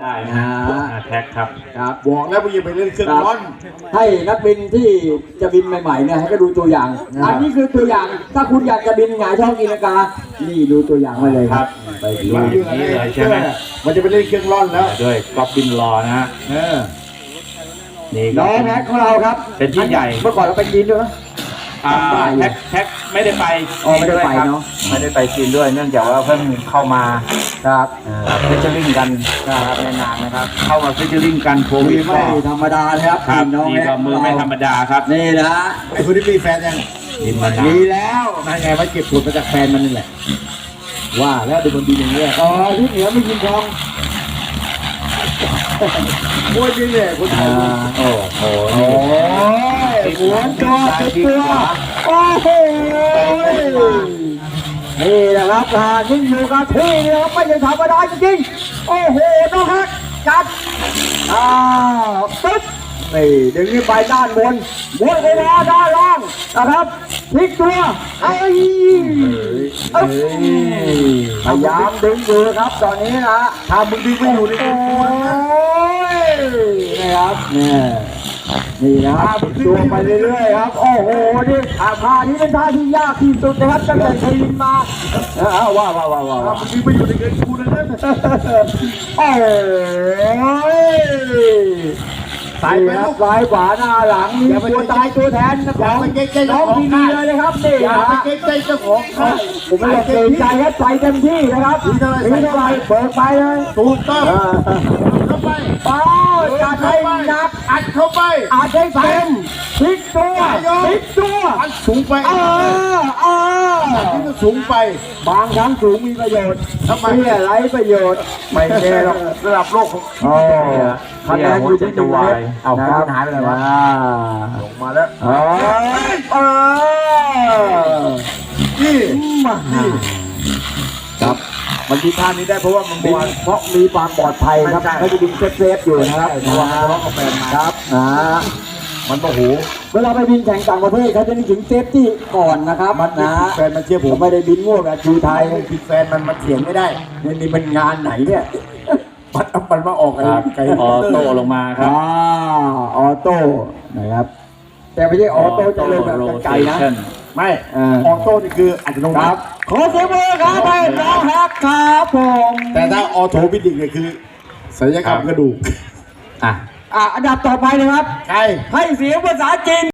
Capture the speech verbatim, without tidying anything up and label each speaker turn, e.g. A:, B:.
A: ได้นะแท็กครับ
B: ครับบอกแล้วว่าอย่าไปเล่นเครื่องร้อน
C: ให้นักบินที่จะบินใหม่ๆเนี่ยให้ก็ดูตัวอย่างอันนี้คือตัวอย่างถ้าคุณอยากจะบินหงายท้องกินกานี่ดูตัวอย่างไว้เลยครับ
A: ไปดูอย่างนี้เลยใช่ไหม
B: มันจะไปเล่นเครื่องร้อนแล้ว
A: ด้วยก๊อปบินรอนะฮะนี่
C: ล้อแม็กของเราครับ
A: เป็นที่ใหญ่
C: เมื่อก่อนเราไปกินด้วยนะ
A: แท็กแท็กไม่ได้ไป
C: อ๋อไม่ได้ไปเนาะ
A: ไม่ได้ไปกินด้วยเนื่องจากว่าเพิ่งเข้ามา
C: ครับ
A: ฟิชเชอร์ลิงกันนะครับในงานนะครับเข้ามาฟิชเชอร์ลิงกันโควิด
C: ไม่ธรรมดาเลยครับ
A: น้องนี่ก็มือไม่ธรรมดาครับ
C: นี่นะ
B: ไอ้คนที่มีแฟนยัง
C: มีแล้ว
B: นั่นไงว่าเก็บผลมาจากแฟนมันนี่แหละ
C: ว่าแล้วเป็นคนดีอย่างนี้อ๋อที่เหนือไม่ยิงทอง
B: โอ้ยนี่เนี่ยคนไทย
A: โอ้โห
C: โอ้ยหัวจอดตัวโอ้โหนี่นะครับทหารยิ่งอยู่กับที่นี่ครับไม่ใช่ธรรมดาจริงๆโอ้โหน้องฮักจัดอ้าวปึ๊บนี่ดึงขึ้นไปด้านบนบนไปแล้วด้านล่างนะครับพลิกตัวไอ้พยายามดึงอยู่ครับตอนนี้นะ
B: ถ้ามึงดึงไม่อยู่ในตัว
C: นี่ครับนี่นี่นะครับตัวไปเรื่อยๆครับโอ้โหนี่ท่านี้เป็นท่าที่ยากที่สุดนะครับตั้งแต่เคยบินมาว้าวว้าวว้าวว้าว
B: มึงดึงไม่อยู่ในเงินกูนะ
C: โอ้สายครับซ้ายขวาหน้าหลังมีตัวตายตัวแทนของน้องทีวีเลยนะครับนี่
B: อย่าไปเกรงใจเจ้าของค่าย
C: ผมไม่เกรงใจครับใส่เต็มที่นะครับนี่เท่าไรเปิดไปเลย
B: ถูกต้องเข้าไป
C: โอ้จัดให้หนัก
B: อัดเข้าไป
C: อัดให้เต็มพลิกตัวพลิกตัว
B: อัดสูงไป
C: เออเออ
B: ที่มันสูงไป
C: บางครั้งสูงมีประโยชน์
B: ทำไม
C: ไร้ประโยชน์
B: ไม่แน่หรอกระดับโลกของ
C: โอ้คะแนนอยู่ที่จะวาย
B: เอาคุณหายไปเลยวะลงมาแล้ว
C: เออเออ
B: นี่มานี่ครับมันที่ท่านี้ได้เพราะว่ามันบิน
C: เพราะมีความปลอดภัยครับเขาจะบินเซฟๆอยู่นะครับ
B: เพราะว่าทะเลาะกับแฟนมา
C: ครับนะ
B: มันโอ้โห
C: เวลาไปบินแข่งต่างประเทศเขาจะนึกถึงเซฟตี้ก่อนนะครับ
B: มันนะแฟนมันเชื่อผม
C: ไม่ได้บินมั่วแบบทีไทย
B: ผิดแฟนมันมันเถียงไม่ได้
C: นี่นี่มันงานไหนเนี่ย
B: มันมันมาออกไอ้ไก่
A: ออโต้ลงมาครับ
C: อ่าออโต้นะครับแต่ไม่ใช่ออโต้จะลงแบบไกลนะ
B: ไม่ออโต้นี่คืออัตโนมัติ
C: ขอเสียงมือครับให้น้องฮักครับผม
B: แต่ถ้าออโตมิติกเนี่ยคือศัลยกรรมกระดูก
C: อ่ะอ่ะอันดับต่อไปนะครับ
B: ใคร
C: ให้เสียงภาษาจีน